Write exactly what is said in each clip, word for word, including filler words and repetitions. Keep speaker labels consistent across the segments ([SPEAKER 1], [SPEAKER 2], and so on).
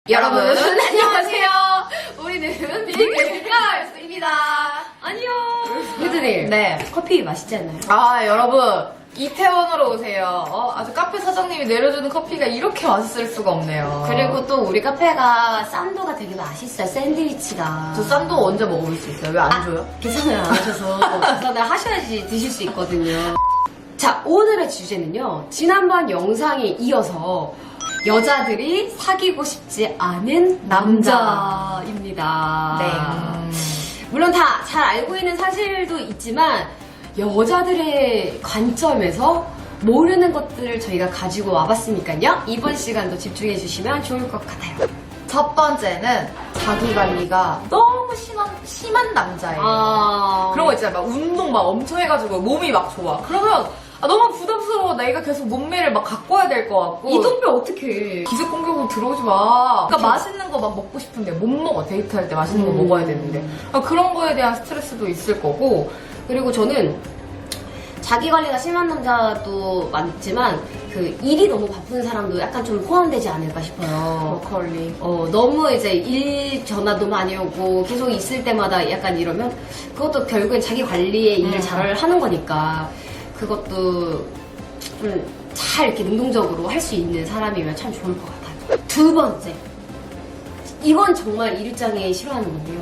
[SPEAKER 1] 여러분 안녕하세요. 우리는 빅걸스입니다.
[SPEAKER 2] 안녕. 유드님.
[SPEAKER 1] 네.
[SPEAKER 2] 커피 맛있지 않나요?
[SPEAKER 1] 아 여러분 이태원으로 오세요. 어, 아주 카페 사장님이 내려주는 커피가 이렇게 맛있을 수가 없네요.
[SPEAKER 2] 그리고 또 우리 카페가 싼도가 되게 맛있어요. 샌드위치가.
[SPEAKER 1] 저 싼도 언제 먹어볼 수 있어요? 왜 안
[SPEAKER 2] 아,
[SPEAKER 1] 줘요?
[SPEAKER 2] 계산을 안 하셔서 계산을 하셔야지 드실 수 있거든요. 자, 오늘의 주제는요. 지난번 영상에 이어서 여자들이 사귀고 싶지 않은 남자입니다.
[SPEAKER 1] 네.
[SPEAKER 2] 물론 다 잘 알고 있는 사실도 있지만 여자들의 관점에서 모르는 것들을 저희가 가지고 와봤으니까요. 이번 시간도 집중해 주시면 좋을 것 같아요.
[SPEAKER 1] 첫 번째는 자기 관리가 너무 심한, 심한 남자예요.
[SPEAKER 2] 아...
[SPEAKER 1] 그런 거 있잖아요. 막 운동 막 엄청 해가지고 몸이 막 좋아. 그러면 아, 너무 부담스러워. 내가 계속 몸매를 막 가꿔야 될 것 같고.
[SPEAKER 2] 이 동네 어떡해.
[SPEAKER 1] 기습 공격으로 들어오지 마. 그러니까 맛있는 거 막 먹고 싶은데 못 먹어. 데이트할 때 맛있는 거
[SPEAKER 2] 음.
[SPEAKER 1] 먹어야 되는데. 아, 그런 거에 대한 스트레스도 있을 거고.
[SPEAKER 2] 그리고 저는 자기 관리가 심한 남자도 많지만 그 일이 너무 바쁜 사람도 약간 좀 포함되지 않을까 싶어요.
[SPEAKER 1] 브로콜리.
[SPEAKER 2] 어, 너무 이제 일 전화도 많이 오고 계속 있을 때마다 약간 이러면 그것도 결국엔 자기 관리에 일을
[SPEAKER 1] 음.
[SPEAKER 2] 잘 하는 거니까 그것도 좀 잘 이렇게 능동적으로 할 수 있는 사람이면 참 좋을 것 같아요. 두 번째. 이건 정말 일장에 싫어하는 건데요.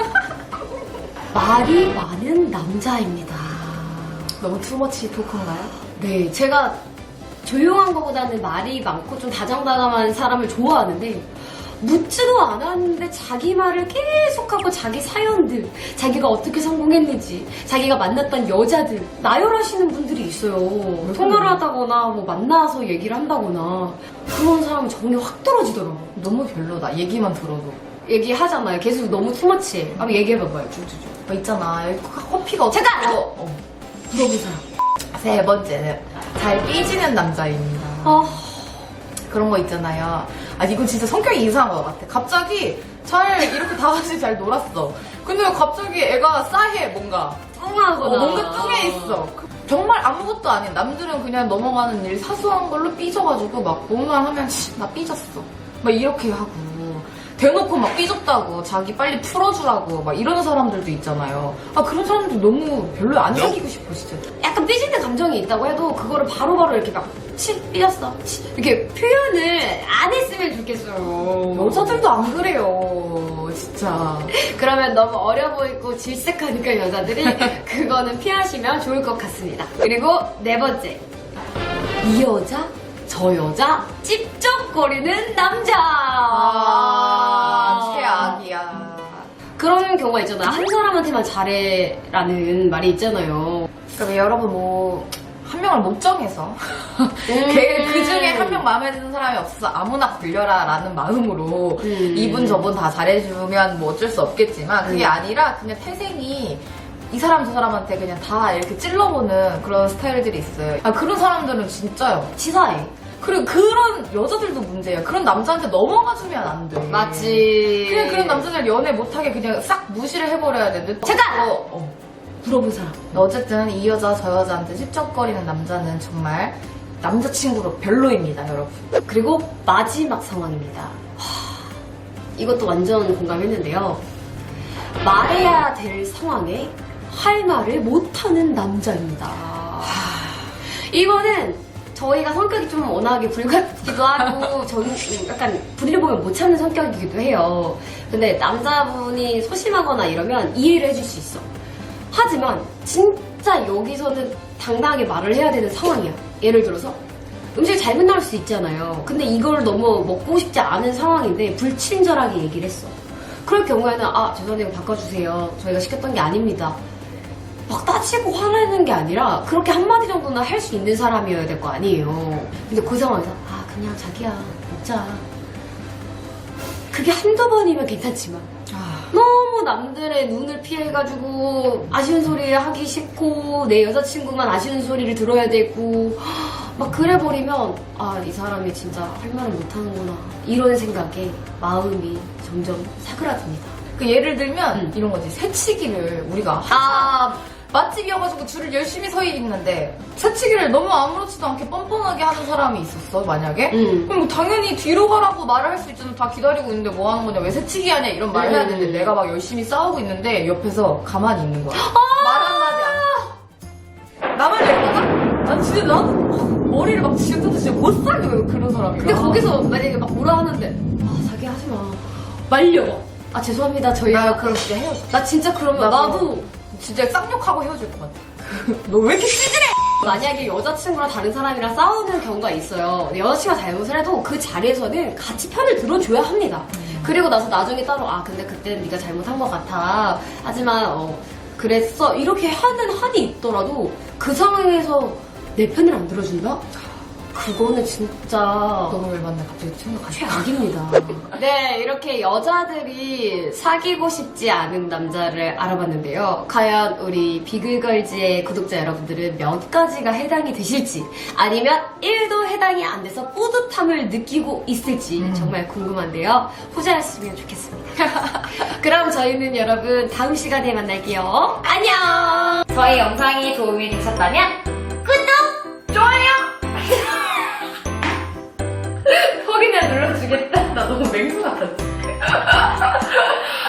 [SPEAKER 2] 말이 많은 남자입니다.
[SPEAKER 1] 너무 투머치 토크인가요?
[SPEAKER 2] 네, 제가 조용한 것보다는 말이 많고 좀 다정다감한 사람을 좋아하는데 묻지도 않았는데 자기 말을 계속하고 자기 사연들, 자기가 어떻게 성공했는지, 자기가 만났던 여자들 나열하시는 분들이 있어요. 통화를 하다거나 뭐 만나서 얘기를 한다거나 그런 사람은 정이 확 떨어지더라고요.
[SPEAKER 1] 너무 별로다. 얘기만 들어도.
[SPEAKER 2] 얘기하잖아요. 계속 너무 투머치해. 한번 얘기해봐봐요. 쭉쭉쭉.
[SPEAKER 1] 뭐 있잖아. 여기 커피가 어떻게.
[SPEAKER 2] 잠깐!
[SPEAKER 1] 어, 어.
[SPEAKER 2] 물어본 사람.
[SPEAKER 1] 세 번째는 잘 삐지는 남자입니다.
[SPEAKER 2] 아...
[SPEAKER 1] 그런 거 있잖아요. 아, 이건 진짜 성격이 이상한 것 같아. 갑자기 잘 이렇게 다 같이 잘 놀았어. 근데 갑자기 애가 싸해, 뭔가.
[SPEAKER 2] 뚱하거나.
[SPEAKER 1] 어, 뭔가 뚱해 있어. 그- 정말 아무것도 아닌 남들은 그냥 넘어가는 일 사소한 걸로 삐져가지고 막 뭐만 하면 치, 나 삐졌어. 막 이렇게 하고. 대놓고 막 삐졌다고 자기 빨리 풀어주라고 막 이런 사람들도 있잖아요. 아, 그런 사람들 너무 별로 안 사귀고 싶어, 진짜.
[SPEAKER 2] 약간 삐지는 감정이 있다고 해도 그거를 바로바로 이렇게 막 치, 삐졌어. 치, 이렇게 표현을 안 했으면 좋겠어요.
[SPEAKER 1] 여자들도 안 그래요, 진짜.
[SPEAKER 2] 그러면 너무 어려 보이고 질색하니까 여자들이 그거는 피하시면 좋을 것 같습니다. 그리고 네 번째. 이 여자, 저 여자, 찝쩍거리는 남자.
[SPEAKER 1] 아, 최악이야.
[SPEAKER 2] 그런 경우가 있잖아요. 한 사람한테만 잘해라는 말이 있잖아요.
[SPEAKER 1] 그럼 여러분 뭐 한 명을 못 정해서 걔 그 중에 한 명 마음에 드는 사람이 없어서 아무나 걸려라 라는 마음으로
[SPEAKER 2] 음.
[SPEAKER 1] 이분 저분 다 잘해주면 뭐 어쩔 수 없겠지만 그게
[SPEAKER 2] 음.
[SPEAKER 1] 아니라 그냥 태생이 이 사람 저 사람한테 그냥 다 이렇게 찔러보는 그런 스타일들이 있어요. 아, 그런 사람들은 진짜요.
[SPEAKER 2] 치사해.
[SPEAKER 1] 그리고 그런 여자들도 문제야. 그런 남자한테 넘어가주면 안 돼.
[SPEAKER 2] 맞지.
[SPEAKER 1] 그냥 그런 남자들 연애 못하게 그냥 싹 무시를 해버려야 되는데.
[SPEAKER 2] 잠깐!
[SPEAKER 1] 어, 어.
[SPEAKER 2] 물어본 사람.
[SPEAKER 1] 어쨌든 이 여자 저 여자한테 찝쩍거리는 남자는 정말 남자친구로 별로입니다, 여러분.
[SPEAKER 2] 그리고 마지막 상황입니다. 하, 이것도 완전 공감했는데요. 말해야 될 상황에 할 말을 못하는 남자입니다. 하, 이거는 저희가 성격이 좀 워낙에 불같기도 하고 저는 약간 분리를 보면 못 참는 성격이기도 해요. 근데 남자분이 소심하거나 이러면 이해를 해줄 수 있어. 하지만 진짜 여기서는 당당하게 말을 해야 되는 상황이야. 예를 들어서 음식이 잘못 나올 수 있잖아요. 근데 이걸 너무 먹고 싶지 않은 상황인데 불친절하게 얘기를 했어. 그럴 경우에는 아 죄송해요 바꿔주세요. 저희가 시켰던 게 아닙니다. 막 따지고 화내는 게 아니라 그렇게 한마디 정도는 할 수 있는 사람이어야 될 거 아니에요. 근데 그 상황에서 아 그냥 자기야 먹자. 그게 한두 번이면 괜찮지만 너무 남들의 눈을 피해가지고 아쉬운 소리 하기 싫고 내 여자친구만 아쉬운 소리를 들어야 되고 막 그래버리면 아 이 사람이 진짜 할 말을 못하는구나 이런 생각에 마음이 점점 사그라듭니다.
[SPEAKER 1] 그 예를 들면
[SPEAKER 2] 음.
[SPEAKER 1] 이런 거지. 새치기를 우리가
[SPEAKER 2] 아
[SPEAKER 1] 맛집이어가지고 줄을 열심히 서 있는데 새치기를 너무 아무렇지도 않게 뻔뻔하게 하는 사람이 있었어 만약에
[SPEAKER 2] 음.
[SPEAKER 1] 그럼 뭐 당연히 뒤로 가라고 말을 할 수 있잖아. 다 기다리고 있는데 뭐 하는 거냐 왜 새치기 하냐 이런 말을 해야 되는데
[SPEAKER 2] 음.
[SPEAKER 1] 내가 막 열심히 싸우고 있는데 옆에서 가만히 있는 거야. 말 한마디 안 해. 나만 예쁘다? 난 진짜 나는 머리를 막 지금도 진짜 못 살려 그런 사람이야.
[SPEAKER 2] 근데 거기서 만약에 막 뭐라 하는데 아 자기 하지 마 말려. 아 죄송합니다 저희
[SPEAKER 1] 나 그럼 진짜 헤어져.
[SPEAKER 2] 나 진짜 그러면
[SPEAKER 1] 나도.
[SPEAKER 2] 나도
[SPEAKER 1] 진짜 쌍욕하고 헤어질 것 같아. 너 왜 이렇게 찌질해?
[SPEAKER 2] 만약에 여자친구랑 다른 사람이랑 싸우는 경우가 있어요. 근데 여자친구가 잘못을 해도 그 자리에서는 같이 편을 들어줘야 합니다.
[SPEAKER 1] 음.
[SPEAKER 2] 그리고 나서 나중에 따로 아 근데 그때는 네가 잘못한 것 같아. 하지만 어 그랬어 이렇게 하는 한이 있더라도 그 상황에서 내 편을 안 들어준다? 그거는 진짜
[SPEAKER 1] 너는 왜 만나 갑자기 생각하지?
[SPEAKER 2] 최악입니다. 네, 이렇게 여자들이 사귀고 싶지 않은 남자를 알아봤는데요. 과연 우리 비글걸즈의 구독자 여러분들은 몇 가지가 해당이 되실지 아니면 일도 해당이 안 돼서 뿌듯함을 느끼고 있을지
[SPEAKER 1] 음.
[SPEAKER 2] 정말 궁금한데요. 후자였으면 좋겠습니다. 그럼 저희는 여러분 다음 시간에 만날게요. 안녕!
[SPEAKER 3] 저희 영상이 도움이 되셨다면 구독, 좋아요
[SPEAKER 1] 턱이나 눌러주겠다. 나 너무 맹수 같았지.